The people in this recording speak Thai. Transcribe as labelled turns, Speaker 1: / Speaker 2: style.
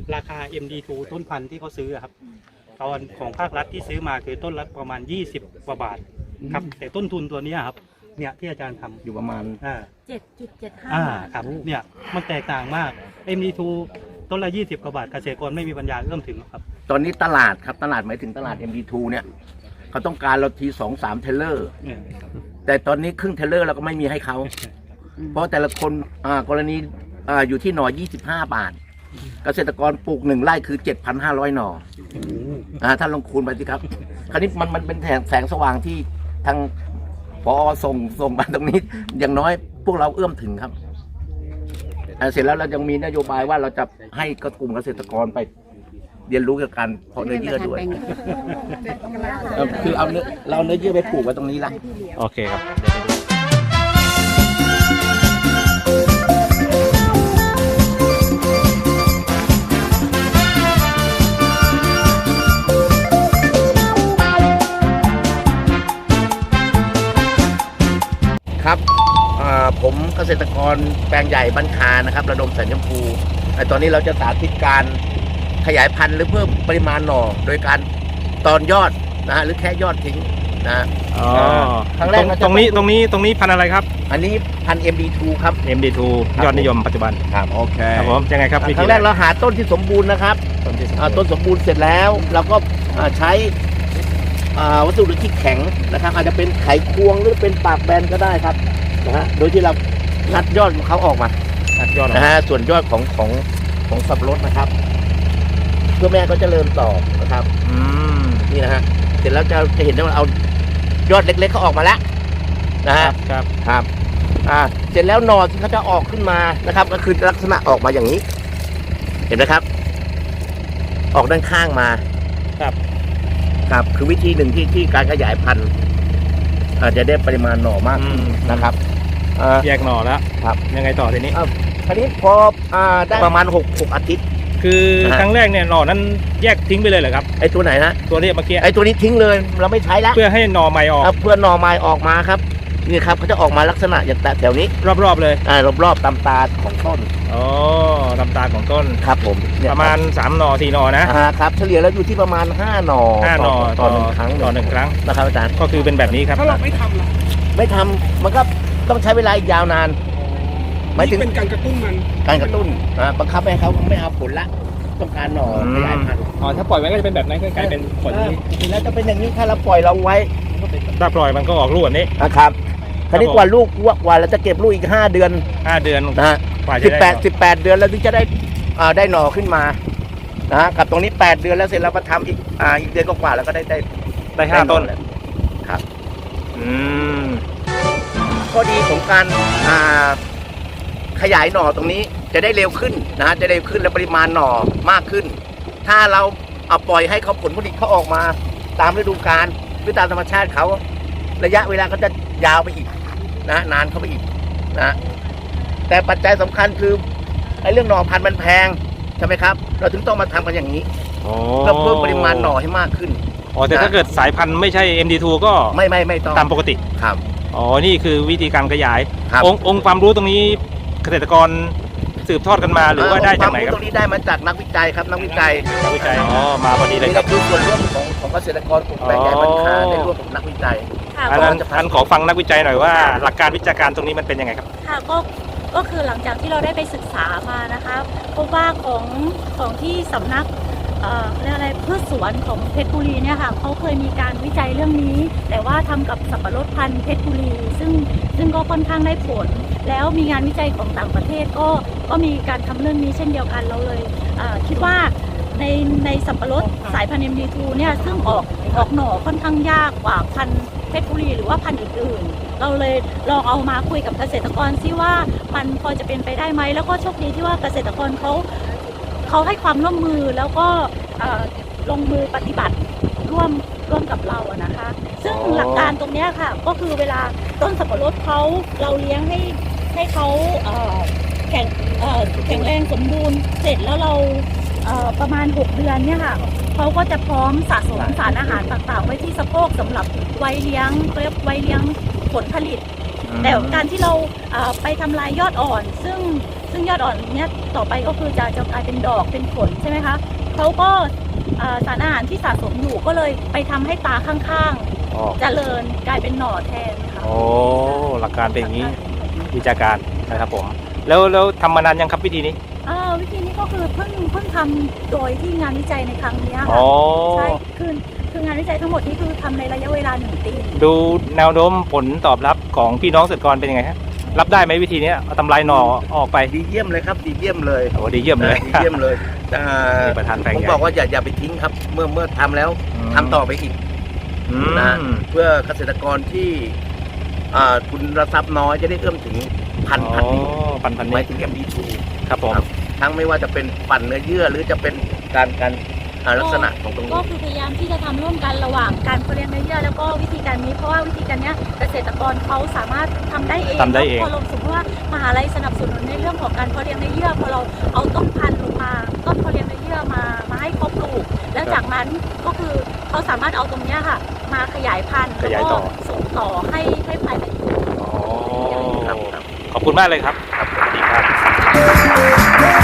Speaker 1: ราคา MD2 ต้นพันธุ์ที่เขาซื้อครับตอนของภาครัฐที่ซื้อมาคือต้นละประมาณ20 กว่าบาทครับแต่ต้นทุนตัวนี้ครับเนี่ยที่อาจารย์ทำ
Speaker 2: อยู่ประมาณ
Speaker 3: 7.75 บาท
Speaker 1: ครับเนี่ยมันแตกต่างมาก MD2 ต้นละ20 กว่าบาทเกษตรกรไม่มีปัญญาเอื้อมถึงครับ
Speaker 2: ตอนนี้ตลาดครับตลาดหมายถึงตลาด MD2 เนี่ยเขาต้องการเราที2-3 เทเลอร์แต่ตอนนี้ครึ่งเทเลอร์เราก็ไม่มีให้เขาเพราะแต่ละคนกรณีอยู่ที่หน่อ25 บาทเกษตรกรปลูก1 ไร่คือ 7,500 หน่อท่านลองคูณไปสิครับคราวนี้มันเป็นแสงสว่างที่ทางพอส่งมาตรงนี้อย่างน้อยพวกเราเอื้อมถึงครับเสร็จแล้วเรายังมีนโยบายว่าเราจะให้กลุ่มเกษตรกรไปเรียนรู้เกี่ยวกับการเพาะเนื้อเยื่อด้วยคือเอาเนื้อเยื่อไปปลูกไว้ตรงนี้ละ
Speaker 1: โอเคครับ
Speaker 2: ครับผมเกษตรกรแปลงใหญ่บ้านคานะครับระดมแสนชมพูตอนนี้เราจะสาธิตการขยายพันธุ์หรือเพิ่มปริมาณหน่อโดยการตอนยอดนะฮะหรือแค่ยอดทิ้งนะ
Speaker 1: ครั้งแรกตรงนี้พันธุ์อะไรครับ
Speaker 2: อันนี้พันธุ์ MD2 ครับ
Speaker 1: MD2 ยอดนิยมปัจจุบัน
Speaker 2: ครับโอเค
Speaker 1: ครับผมยังไงครับ
Speaker 2: ครั้งแรกเราหาต้นที่สมบูรณ์นะครับต้นสมบูรณ์เสร็จแล้วเราก็ใช้วัสดุที่แข็งนะครับอาจจะเป็นไขควงหรือเป็นปากแบนก็ได้ครับนะฮะโดยที่เรางัดยอดของเขาออกมานะฮะส่วนยอดของสับปะรดนะครับเพื่อแม่ก็จะเริ่มต่อนะครับนี่นะฮะเสร็จแล้วจะเห็นได้ว่าเอายอดเล็กๆเขาออกมาแล้วนะฮะครับเสร็จแล้วหน่อที่เขาจะออกขึ้นมานะครับก็คือลักษณะออกมาอย่างนี้เห็นไหมครับออกด้านข้างมาครับคือวิธีหนึ่งที่การขยายพันธุ์จะได้ปริมาณหน่อมากนะครับ
Speaker 1: แยกหน่อแล้วครับยังไงต่อทีนี้
Speaker 2: คราวนี้พอได้ประมาณ6 อาทิตย์
Speaker 1: คือครั้งแรกเนี่ยหน่อนั้นแยกทิ้งไปเลยเหรอครับ
Speaker 2: ไอตัวไหนนะ
Speaker 1: ตัวนี้เมื่อกี้
Speaker 2: ไอตัวนี้ทิ้งเลยเราไม่ใช้แล้ว
Speaker 1: เพื่อให้หน่อใหม่ออก
Speaker 2: เพื่อหน่อใหม่ออกมาครับนี่ครับเขาจะออกมาลักษณะอย่างแถวนี้
Speaker 1: รอบๆเลย
Speaker 2: รอบๆตามตาของต้น
Speaker 1: ตามตาของต้น
Speaker 2: ครับผม
Speaker 1: ประมาณ3 หน่อ 4 หน่อ
Speaker 2: นะครับเฉลี่ยแล้วอยู่ที่ประมาณ5 หน่อต่อ1 ครั้งนะครับอาจารย์
Speaker 1: ก็คือเป็นแบบนี้ครับ
Speaker 4: ถ้าเราไม่ทำล่ะ
Speaker 2: ไม่ทำมันก็ต้องใช้เวลาอีกยาวนาน
Speaker 4: หมายถึงเป็นการกระตุ้นมัน
Speaker 2: การกระตุ้นบังคับให้เขาไม่เอาผลละต้องการหน่อขยายพันธุ์
Speaker 1: ถ้าปล่อยไว้ก็จะเป็นแบบนั้นก็กลายเป็นผล
Speaker 2: นี้แล้วจะเป็นอย่างนี้ถ้าเราปล่อยเราไว้
Speaker 1: ถ้าปล่อยมันก็ออกลูกแบบนี้
Speaker 2: นะครับคราวนี้กว่าลูกเราจะเก็บลูกอีก5 เดือนนะฮะ18 เดือนแล้วถึงจะได้หน่อขึ้นมานะกับตรงนี้8 เดือนแล้วเสร็จเราก็ทำอีกเดือนกว่าแล้วก็ได้
Speaker 1: 5 ต้น
Speaker 2: ครับข้อดีของการขยายหน่อตรงนี้จะได้เร็วขึ้นนะจะเร็วขึ้นและปริมาณหน่อมากขึ้นถ้าเราเอาปล่อยให้เขาผลผลิตเขาออกมาตามฤดูกาลหรือตามธรรมชาติเขาระยะเวลาก็จะยาวไปอีกนะนานเข้าไปอีกนะแต่ปัจจัยสำคัญคือไอ้เรื่องหน่อพันธุ์มันแพงใช่ไหมครับเราถึงต้องมาทำกันอย่างนี้เพื่อเพิ่มปริมาณหน่อให้มากขึ้น
Speaker 1: แต่ถ้าเกิดสายพันธุ์ไม่ใช่ MD2 ก็
Speaker 2: ไม่ต้อง
Speaker 1: ตามปกติ
Speaker 2: ครับ
Speaker 1: นี่คือวิธีการขยายองค์ความรู้ตรงนี้เกษตรกรสืบทอดกันมาหรือว่าได้จากไหนครับ
Speaker 2: ตรงนี้ได้มาจากนักวิจัยครับนักวิจัย
Speaker 1: มาพอดีเลย
Speaker 2: ครับคือส่วนร่วมของเกษตรกรกลุ่มแปลงใหญ่บ้านคาในร่วมกับนักวิจัย
Speaker 1: ท่านขอฟังนักวิจัยหน่อยว่าหลักการวิชาการตรงนี้มันเป็นยังไงครับ
Speaker 3: ค่ะก็คือหลังจากที่เราได้ไปศึกษามานะคะพบว่าของที่สำนักเรียกอะไรพืชสวนของเพชรบุรีเนี่ยค่ะเขาเคยมีการวิจัยเรื่องนี้แต่ว่าทำกับสับปะรดพันธุ์เพชรบุรีซึ่งก็ค่อนข้างได้ผลแล้วมีงานวิจัยของต่างประเทศก็มีการทำเรื่องนี้เช่นเดียวกันเราเลยคิดว่าในสับปะรดสายพันธุ์ MD2 เนี่ยซึ่งออกหน่อค่อนข้างยากกว่าพันธุ์เพชรบุรีหรือว่าพันธุ์อื่นๆเราเลยลองเอามาคุยกับเกษตรกรซิว่ามันพอจะเป็นไปได้ไหมแล้วก็โชคดีที่ว่าเกษตรกรเขาให้ความร่วมมือแล้วก็ลงมือปฏิบัติร่วมกับเราอะนะคะซึ่งหลักการตรงนี้ค่ะก็คือเวลาต้นสับปะรดเราเลี้ยงให้เขาแข็งแรงสมบูรณ์เสร็จแล้วเราประมาณ6 เดือนเนี่ยค่ะเขาก็จะพร้อมสะสมสารอาหารต่างๆไว้ที่สะโพกสำหรับไว้เลี้ยงผลผลิตแต่การที่เราไปทำลายยอดอ่อนซึ่งซึ่งยอดอ่อนเนี้ยต่อไปก็คือจะกลายเป็นดอกเป็นผลใช่ไหมคะเขาก็สารอาหารที่สะสมอยู่ก็เลยไปทำให้ตาข้าง
Speaker 5: อ๋อ
Speaker 3: ๆเจริญกลายเป็นหน่อแทนค่ะ
Speaker 5: โอ้หลักการเป็นอย่างนี้วิชาการนะครับผมแล้วทำมานานยังครับวิธีนี้
Speaker 3: วิธีนี้ก็คือเพิ่งทำโดยที่งานวิจัยในครั้งนี้
Speaker 5: อ๋
Speaker 3: ค่ะ
Speaker 5: อ
Speaker 3: ใช่คืองานวิจัยทั้งหมดนี้คือทำในระยะเวลา1 ปี
Speaker 5: ดูแนวโน้มผลตอบรับของพี่น้องเกษตรกรเป็นยังไงฮะรับได้ไหมวิธีนี้เอาทำลายหน่อออกไป
Speaker 2: ดีเยี่ยมเลยครับดีเยี่ยมเลย
Speaker 5: โอ้ดีเยี่ยมเลย
Speaker 2: ดีเยี่ยมเลย
Speaker 5: นี่ประธานแปลง
Speaker 2: ผม
Speaker 5: ใหญ่
Speaker 2: บอกว่าอย่าไปทิ้งครับ เมื่อทำแล้วทำต่อไปอีก
Speaker 5: อืม
Speaker 2: นะเพื่อเกษตรกรที่ทุนทรัพย์น้อยจะได้เอื้อมถึงพัน
Speaker 5: อ๋อ
Speaker 2: ธุ์นี้
Speaker 5: พัน
Speaker 2: ห
Speaker 5: นี้
Speaker 2: มายถึง MD2
Speaker 5: ครับผม
Speaker 2: ครับ ทั้งไม่ว่าจะเป็นปั่นเนื้อเยื่อหรือจะเป็นการลักษณะของตรง
Speaker 3: ก็
Speaker 2: นี้
Speaker 3: คือพยายามที่จะทำร่วมกันระหว่างการเพาะเลี้ยงเนื้อเยื่อแล้วก็วิธีการนี้เพราะว่าวิธีการเนี้ยเกษตรกรเขาสามารถทำได้เอง
Speaker 5: ทำได้เอง
Speaker 3: พอลงสมมติว่ามหาลัยสนับสนุนในเรื่องของการเพาะเลี้ยงเนื้อเยื่อพอเราเอาต้นพันธุ์ลงมาต้นเพาะเลี้ยงเนื้อเยื่อมาให้เขาปลูกแล้วจากนั้นก็คือเขาสามารถเอาตรงเนี้ยค่ะมาขยายพันธุ์
Speaker 5: ขยาย
Speaker 3: แล้ว
Speaker 5: ต่
Speaker 3: ก็
Speaker 5: อ
Speaker 3: ส่งต่อให้ภายใน
Speaker 5: อ๋อ
Speaker 2: ครับ
Speaker 5: ขอบคุณมากเลยครับครับสวัสดีครับ